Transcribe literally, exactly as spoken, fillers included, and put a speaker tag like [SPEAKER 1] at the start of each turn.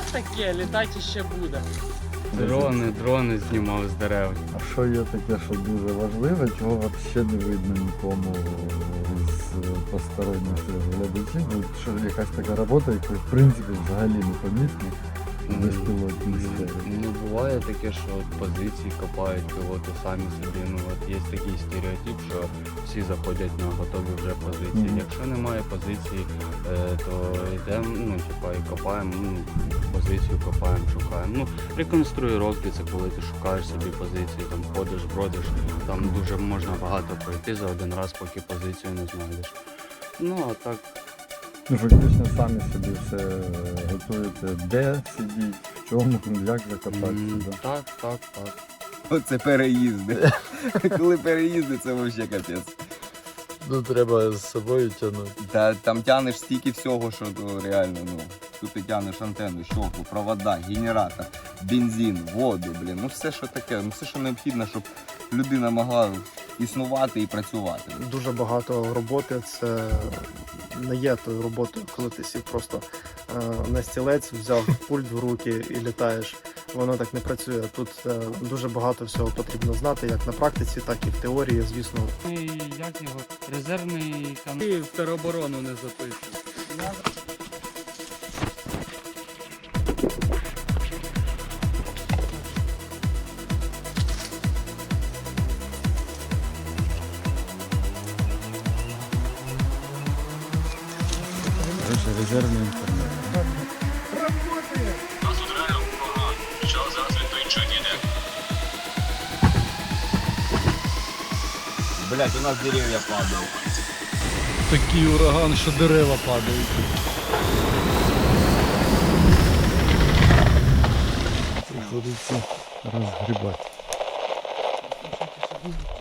[SPEAKER 1] таке, літати ще буде.
[SPEAKER 2] Дрони, дрони знімав з дерев.
[SPEAKER 3] А що є таке, що дуже важливе, чого взагалі не видно нікому з посторонніх глядачів? Ну, що якась така робота, яка в принципі взагалі не помітна в безпілотній сфері.
[SPEAKER 2] Ну, буває таке, що от позиції копають пілоти самі собі. Ну, от є такий стереотип, що всі заходять на готові вже позиції.
[SPEAKER 3] Мгм.
[SPEAKER 2] Якщо немає позиції, е, то йдемо, ну, типа, і копаємо, ну, позицію копаємо, шукаємо. Ну, реконструїровки – це коли ти шукаєш собі позиції, там ходиш, бродиш, там дуже можна багато пройти за один раз, поки позицію не знайдеш. Ну, а так.
[SPEAKER 3] Ну, фактично самі собі все готуєте, де сидіть, в чому, як закопатися.
[SPEAKER 2] м,
[SPEAKER 3] Да?
[SPEAKER 2] Так, так, так.
[SPEAKER 4] Оце переїзди. Коли переїзди, це взагалі капець.
[SPEAKER 5] Ну, треба з собою тягнути.
[SPEAKER 4] Та там тянеш стільки всього, що то реально, ну. Тут ти тянеш антенну, щоку, провода, генератор, бензин, воду, блін. Ну все, що таке, ну все, що необхідно, щоб людина могла існувати і працювати.
[SPEAKER 6] Дуже багато роботи. Це не є тою роботою, коли ти сів просто е, на стілець, взяв пульт в руки і літаєш. Воно так не працює. Тут е, дуже багато всього потрібно знати, як на практиці, так і в теорії, звісно.
[SPEAKER 1] Як його? Резервний канал. Ти в тероборону не записуєш.
[SPEAKER 3] Короче, резервний інтернет.
[SPEAKER 4] Блять, у нас дерев'я падають.
[SPEAKER 5] Такий ураган, що дерева падають.
[SPEAKER 3] Приходиться розгрібати.